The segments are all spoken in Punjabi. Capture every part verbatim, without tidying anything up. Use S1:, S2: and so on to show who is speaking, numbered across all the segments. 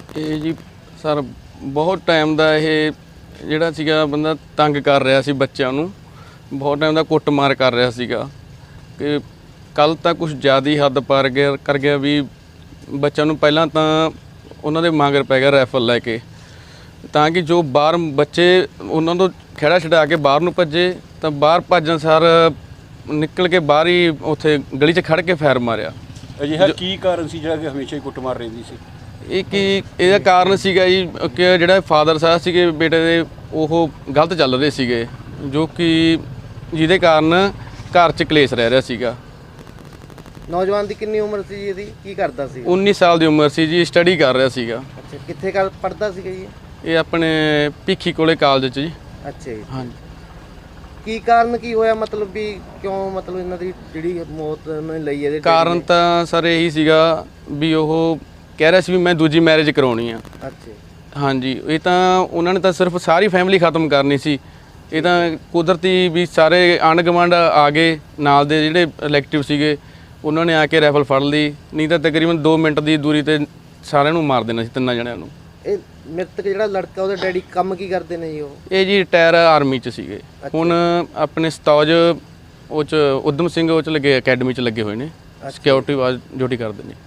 S1: ਇਹ ਜੀ ਸਰ ਬਹੁਤ ਟਾਈਮ ਦਾ ਇਹ ਜਿਹੜਾ ਸੀਗਾ ਬੰਦਾ ਤੰਗ ਕਰ ਰਿਹਾ ਸੀ ਬੱਚਿਆਂ ਨੂੰ, ਬਹੁਤ ਟਾਈਮ ਦਾ ਕੁੱਟਮਾਰ ਕਰ ਰਿਹਾ ਸੀਗਾ ਕਿ ਕੱਲ੍ਹ ਤਾਂ ਕੁਛ ਜ਼ਿਆਦਾ ਹੀ ਹੱਦ ਪਾਰ ਗਿਆ ਕਰ ਗਿਆ ਵੀ ਬੱਚਿਆਂ ਨੂੰ ਪਹਿਲਾਂ ਤਾਂ ਉਹਨਾਂ ਦੇ ਮਗਰ ਪੈ ਗਿਆ ਰਾਈਫਲ ਲੈ ਕੇ, ਤਾਂ ਕਿ ਜੋ ਬਾਹਰ ਬੱਚੇ ਉਹਨਾਂ ਤੋਂ ਖਹਿੜਾ ਛਡਾ ਕੇ ਬਾਹਰ ਨੂੰ ਭੱਜੇ ਤਾਂ ਬਾਹਰ ਭੱਜਣ ਸਾਰ ਨਿਕਲ ਕੇ ਬਾਹਰ ਹੀ ਉੱਥੇ ਗਲੀ 'ਚ ਖੜ੍ਹ ਕੇ ਫਾਇਰ ਮਾਰਿਆ।
S2: ਅਜਿਹਾ ਕੀ ਕਾਰਨ ਸੀ ਜਿਹੜਾ ਕਿ ਹਮੇਸ਼ਾ ਹੀ ਕੁੱਟਮਾਰ ਰਹਿੰਦੀ ਸੀ?
S1: ਇਹ ਕੀ ਇਹਦਾ ਕਾਰਨ ਸੀਗਾ ਜੀ ਕਿ ਜਿਹੜਾ ਫਾਦਰ ਸਾਹਿਬ ਸੀਗੇ ਬੇਟੇ ਦੇ ਉਹ ਗਲਤ ਚੱਲ ਰਹੇ ਸੀਗੇ, ਜੋ ਕਿ ਜਿਹਦੇ ਕਾਰਨ ਘਰ 'ਚ ਕਲੇਸ਼ ਰਹਿ ਰਿਹਾ ਸੀਗਾ।
S3: ਨੌਜਵਾਨ ਦੀ ਕਿੰਨੀ ਉਮਰ ਸੀ ਜੀ ਇਹਦੀ, ਕੀ ਕਰਦਾ ਸੀ?
S1: ਉੱਨੀ ਸਾਲ ਦੀ ਉਮਰ ਸੀ ਜੀ, ਸਟੱਡੀ ਕਰ ਰਿਹਾ ਸੀਗਾ।
S3: ਅੱਛਾ, ਕਿੱਥੇ ਕਰ ਪੜ੍ਹਦਾ ਸੀਗਾ ਜੀ?
S1: ਇਹ ਆਪਣੇ ਭਿੱਖੀ ਕੋਲੇ ਕਾਲਜ 'ਚ ਜੀ।
S3: ਅੱਛਾ ਜੀ,
S1: ਹਾਂਜੀ।
S3: ਕੀ ਕਾਰਨ ਕੀ ਹੋਇਆ, ਮਤਲਬ ਵੀ ਕਿਉਂ ਮਤਲਬ ਇਹਨਾਂ ਦੀ ਜਿਹੜੀ ਮੌਤ ਉਹਨਾਂ ਨੇ ਲਈ ਇਹਦੇ?
S1: ਕਾਰਨ ਤਾਂ ਸਰ ਇਹੀ ਸੀਗਾ ਵੀ ਉਹ ਕਹਿ ਰਿਹਾ ਸੀ ਵੀ ਮੈਂ ਦੂਜੀ ਮੈਰਿਜ ਕਰਾਉਣੀ ਆ।
S3: ਅੱਛਾ
S1: ਹਾਂਜੀ, ਇਹ ਤਾਂ ਉਹਨਾਂ ਨੇ ਤਾਂ ਸਿਰਫ ਸਾਰੀ ਫੈਮਿਲੀ ਖਤਮ ਕਰਨੀ ਸੀ। ਇਹ ਤਾਂ ਕੁਦਰਤੀ ਵੀ ਸਾਰੇ ਆਂਢ ਗੁਆਂਢ ਆ ਗਏ, ਨਾਲ ਦੇ ਜਿਹੜੇ ਇਲੈਕਟਿਵ ਸੀਗੇ ਉਹਨਾਂ ਨੇ ਆ ਕੇ ਰਾਈਫਲ ਫੜ ਲਈ, ਨਹੀਂ ਤਾਂ ਤਕਰੀਬਨ ਦੋ ਮਿੰਟ ਦੀ ਦੂਰੀ ਤੇ ਸਾਰਿਆਂ ਨੂੰ ਮਾਰ ਦੇਣਾ ਸੀ, ਤਿੰਨਾਂ ਜਣਿਆਂ ਨੂੰ।
S3: ਇਹ ਮ੍ਰਿਤਕ ਜਿਹੜਾ ਲੜਕਾ ਉਹਦੇ ਡੈਡੀ ਕੰਮ ਕੀ ਕਰਦੇ ਨੇ ਜੀ? ਉਹ
S1: ਇਹ ਜੀ ਰਿਟਾਇਰ ਆਰਮੀ 'ਚ ਸੀਗੇ, ਹੁਣ ਆਪਣੇ ਸਤੌਜ ਉਹ 'ਚ ਉਦਮ ਸਿੰਘ ਉਹ 'ਚ ਲੱਗੇ, ਅਕੈਡਮੀ 'ਚ ਲੱਗੇ ਹੋਏ ਨੇ, ਸਿਕਿਉਰਿਟੀ ਵਾਜ ਡਿਊਟੀ ਕਰਦੇ ਨੇ।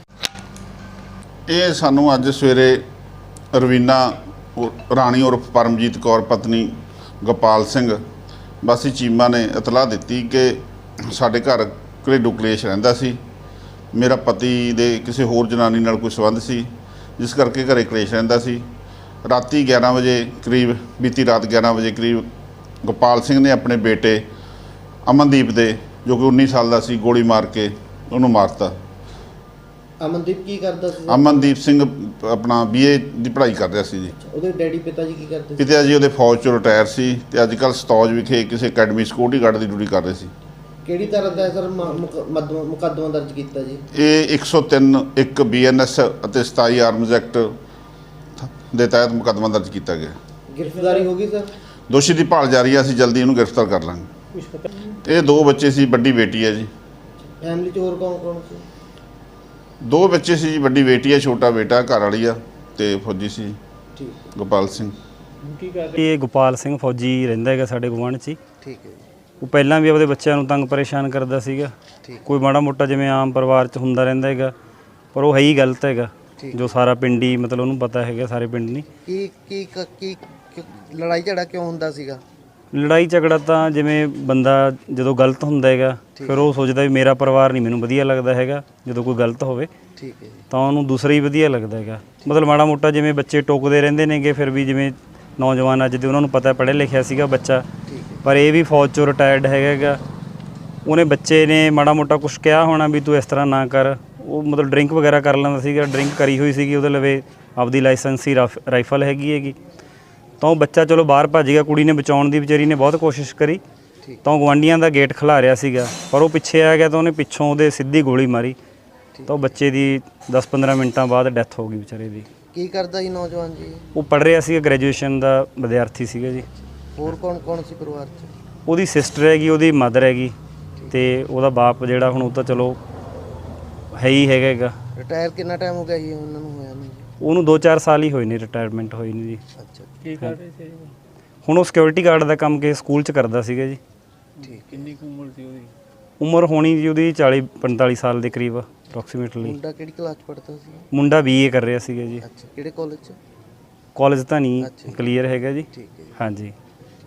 S4: ਇਹ ਸਾਨੂੰ ਅੱਜ ਸਵੇਰੇ ਰਵੀਨਾ ਰਾਣੀ ਉਰਫ ਪਰਮਜੀਤ ਕੌਰ ਪਤਨੀ ਗੋਪਾਲ ਸਿੰਘ ਵਾਸੀ ਚੀਮਾ ਨੇ ਇਤਲਾਹ ਦਿੱਤੀ ਕਿ ਸਾਡੇ ਘਰ ਘਰੇਲੂ ਕਲੇਸ਼ ਰਹਿੰਦਾ ਸੀ, ਮੇਰਾ ਪਤੀ ਦੇ ਕਿਸੇ ਹੋਰ ਜਨਾਨੀ ਨਾਲ ਕੋਈ ਸੰਬੰਧ ਸੀ, ਜਿਸ ਕਰਕੇ ਘਰੇ ਕਲੇਸ਼ ਰਹਿੰਦਾ ਸੀ। ਰਾਤੀ ਗਿਆਰਾਂ ਵਜੇ ਕਰੀਬ, ਬੀਤੀ ਰਾਤ ਗਿਆਰਾਂ ਵਜੇ ਕਰੀਬ ਗੋਪਾਲ ਸਿੰਘ ਨੇ ਆਪਣੇ ਬੇਟੇ ਅਮਨਦੀਪ ਦੇ, ਜੋ ਕਿ ਉੱਨੀ ਸਾਲ ਦਾ ਸੀ, ਗੋਲੀ ਮਾਰ ਕੇ ਉਹਨੂੰ ਮਾਰਤਾ।
S3: ਅਮਨਦੀਪ ਕੀ ਕਰਦਾ ਸੀ?
S4: ਅਮਨਦੀਪ ਸਿੰਘ ਆਪਣਾ ਬੀਏ ਦੀ ਪੜ੍ਹਾਈ ਕਰ ਰਿਹਾ ਸੀ ਜੀ।
S3: ਉਹਦੇ ਡੈਡੀ ਪਿਤਾ ਜੀ ਕੀ ਕਰਦੇ ਸੀ?
S4: ਪਿਤਾ ਜੀ ਉਹਦੇ ਫੌਜ 'ਚੋਂ ਰਿਟਾਇਰ ਸੀ ਤੇ ਅੱਜ ਕੱਲ੍ਹ ਸਤੌਜ ਵਿਖੇ ਕਿਸੇ ਅਕੈਡਮੀ ਸਿਕਿਉਰਿਟੀ ਗਾਰਡ ਦੀ ਡਿਊਟੀ ਕਰ ਰਹੇ ਸੀ।
S3: ਕਿਹੜੀ ਤਰ੍ਹਾਂ ਦਾ ਸਰ ਮੁਕੱਦਮਾ ਦਰਜ ਕੀਤਾ ਜੀ?
S4: ਇਹ ਇੱਕ ਸੌ ਤਿੰਨ ਇੱਕ ਬੀ ਐਨ ਐਸ ਅਤੇ ਸਤਾਈ ਆਰਮਜ਼ ਐਕਟ ਦੇ ਤਹਿਤ ਮੁਕੱਦਮਾ ਦਰਜ ਕੀਤਾ ਗਿਆ।
S3: ਗ੍ਰਿਫਤਾਰੀ ਹੋ ਗਈ ਸਰ?
S4: ਦੋਸ਼ੀ ਦੀ ਭਾਲ ਜਾਰੀ ਹੈ, ਅਸੀਂ ਜਲਦੀ ਇਹਨੂੰ ਗ੍ਰਿਫਤਾਰ ਕਰ ਲਾਂਗੇ। ਇਹ ਦੋ ਬੱਚੇ ਸੀ, ਵੱਡੀ ਬੇਟੀ ਹੈ ਜੀ।
S3: ਫੈਮਿਲੀ 'ਚ ਹੋਰ ਕੌਣ ਕੌਣ ਸੀ?
S4: ਦੋ ਬੱਚੇ ਸੀ ਜੀ, ਵੱਡੀ ਬੇਟੀ ਹੈ, ਛੋਟਾ ਬੇਟਾ, ਘਰ ਵਾਲੀ ਆ ਤੇ ਫੌਜੀ ਸੀ
S3: ਠੀਕ
S4: ਗੋਪਾਲ ਸਿੰਘ।
S5: ਇਹ ਗੋਪਾਲ ਸਿੰਘ ਫੌਜੀ ਰਹਿੰਦਾ ਹੈਗਾ ਸਾਡੇ ਗੁਆਂਢ 'ਚ ਹੀ।
S3: ਠੀਕ ਹੈ ਜੀ।
S5: ਉਹ ਪਹਿਲਾਂ ਵੀ ਆਪਦੇ ਬੱਚਿਆਂ ਨੂੰ ਤੰਗ ਪਰੇਸ਼ਾਨ ਕਰਦਾ ਸੀਗਾ, ਕੋਈ ਮਾੜਾ ਮੋਟਾ ਜਿਵੇਂ ਆਮ ਪਰਿਵਾਰ 'ਚ ਹੁੰਦਾ ਰਹਿੰਦਾ ਹੈਗਾ, ਪਰ ਉਹ ਹੈ ਹੀ ਗਲਤ ਹੈਗਾ, ਜੋ ਸਾਰਾ ਪਿੰਡ ਹੀ ਮਤਲਬ ਉਹਨੂੰ ਪਤਾ ਹੈਗਾ, ਸਾਰੇ ਪਿੰਡ ਨਹੀਂ।
S3: ਕੀ ਕੀ ਕੀ ਲੜਾਈ ਝਗੜਾ ਕਿਉਂ ਹੁੰਦਾ ਸੀਗਾ?
S5: ਲੜਾਈ ਝਗੜਾ ਤਾਂ ਜਿਵੇਂ ਬੰਦਾ ਜਦੋਂ ਗਲਤ ਹੁੰਦਾ ਹੈਗਾ, ਫਿਰ ਉਹ ਸੋਚਦਾ ਵੀ ਮੇਰਾ ਪਰਿਵਾਰ ਨਹੀਂ ਮੈਨੂੰ ਵਧੀਆ ਲੱਗਦਾ ਹੈਗਾ, ਜਦੋਂ ਕੋਈ ਗਲਤ ਹੋਵੇ
S3: ਠੀਕ ਹੈ
S5: ਤਾਂ ਉਹਨੂੰ ਦੂਸਰਾ ਹੀ ਵਧੀਆ ਲੱਗਦਾ ਹੈਗਾ। ਮਤਲਬ ਮਾੜਾ ਮੋਟਾ ਜਿਵੇਂ ਬੱਚੇ ਟੋਕਦੇ ਰਹਿੰਦੇ ਨੇਗੇ, ਫਿਰ ਵੀ ਜਿਵੇਂ ਨੌਜਵਾਨ ਅੱਜ ਦੇ ਉਹਨਾਂ ਨੂੰ ਪਤਾ ਪੜ੍ਹਿਆ ਲਿਖਿਆ ਸੀਗਾ ਬੱਚਾ, ਪਰ ਇਹ ਵੀ ਫੌਜ 'ਚੋਂ ਰਿਟਾਇਰਡ ਹੈਗਾ, ਉਹਨੇ ਬੱਚੇ ਨੇ ਮਾੜਾ ਮੋਟਾ ਕੁਛ ਕਿਹਾ ਹੋਣਾ ਵੀ ਤੂੰ ਇਸ ਤਰ੍ਹਾਂ ਨਾ ਕਰ। ਉਹ ਮਤਲਬ ਡਰਿੰਕ ਵਗੈਰਾ ਕਰ ਲੈਂਦਾ ਸੀਗਾ, ਡਰਿੰਕ ਕਰੀ ਹੋਈ ਸੀਗੀ, ਉਹਦੇ ਲਵੇ ਆਪਦੀ ਲਾਇਸੈਂਸੀ ਰਾਈਫਲ ਹੈਗੀ ਹੈਗੀ, ਤਾਂ ਉਹ ਬੱਚਾ ਚਲੋ ਬਾਹਰ ਭੱਜ ਗਿਆ। ਕੁੜੀ ਨੇ ਬਚਾਉਣ ਦੀ ਵਿਚਾਰੀ ਨੇ ਬਹੁਤ ਕੋਸ਼ਿਸ਼ ਕਰੀ, ਤਾਂ ਉਹ ਗੁਆਂਢੀਆਂ ਦਾ ਗੇਟ ਖਿਲਾ ਰਿਹਾ ਸੀਗਾ, ਪਰ ਉਹ ਪਿੱਛੇ ਆ ਗਿਆ ਤਾਂ ਉਹਨੇ ਪਿੱਛੋਂ ਉਹਦੇ ਸਿੱਧੀ ਗੋਲੀ ਮਾਰੀ, ਤਾਂ ਉਹ ਬੱਚੇ ਦੀ ਦਸ ਪੰਦਰਾਂ ਮਿੰਟਾਂ ਬਾਅਦ ਡੈਥ ਹੋ ਗਈ ਵਿਚਾਰੇ ਦੀ।
S3: ਕੀ ਕਰਦਾ ਜੀ ਨੌਜਵਾਨ ਜੀ?
S5: ਉਹ ਪੜ੍ਹ ਰਿਹਾ ਸੀਗਾ, ਗ੍ਰੈਜੂਏਸ਼ਨ ਦਾ ਵਿਦਿਆਰਥੀ ਸੀਗਾ ਜੀ।
S3: ਹੋਰ ਕੌਣ ਕੌਣ ਸੀ ਪਰਿਵਾਰ 'ਚ?
S5: ਉਹਦੀ ਸਿਸਟਰ ਹੈਗੀ, ਉਹਦੀ ਮਦਰ ਹੈਗੀ, ਤੇ ਉਹਦਾ ਬਾਪ ਜਿਹੜਾ ਹੁਣ ਉਹ ਤਾਂ ਚਲੋ ਹੈ ਹੀ ਹੈਗਾ ਹੈਗਾ।
S3: ਰਿਟਾਇਰ ਕਿੰਨਾ ਟਾਈਮ ਹੋ ਗਿਆ ਜੀ ਉਹਨਾਂ ਨੂੰ ਹੋਇਆ ਨੂੰ?
S5: ਉਹਨੂੰ ਦੋ ਚਾਰ ਸਾਲ ਹੀ ਹੋਏ ਨੇ ਰਿਟਾਇਰਮੈਂਟ ਹੋਈ ਨੂੰ ਜੀ।
S3: ਅੱਛਾ,
S5: ਕੀ ਕਰ ਰਹੇ ਸੀ ਹੁਣ? ਉਹ ਸਿਕਿਉਰਿਟੀ ਗਾਰਡ ਦਾ ਕੰਮ ਕੇ ਸਕੂਲ 'ਚ ਕਰਦਾ ਸੀਗਾ ਜੀ।
S3: ਠੀਕ।
S2: ਕਿੰਨੀ ਕੁ ਉਮਰ ਸੀ ਉਹਦੀ?
S5: ਉਮਰ ਹੋਣੀ ਜੀ ਉਹਦੀ ਚਾਲੀ ਪੰਤਾਲੀ ਸਾਲ ਦੇ ਕਰੀਬ ਅਪਰੋਕਸੀਮੇਟਲੀ।
S3: ਮੁੰਡਾ ਕਿਹੜੀ ਕਲਾਸ 'ਚ ਪੜ੍ਹਦਾ ਸੀ?
S5: ਮੁੰਡਾ ਬੀ ਏ ਕਰ ਰਿਹਾ ਸੀਗਾ ਜੀ।
S3: ਅੱਛਾ, ਕਿਹੜੇ ਕਾਲਜ 'ਚ?
S5: ਕਾਲਜ ਤਾਂ ਨਹੀਂ ਕਲੀਅਰ ਹੈਗਾ ਜੀ।
S3: ਠੀਕ ਹੈ ਜੀ।
S5: ਹਾਂਜੀ।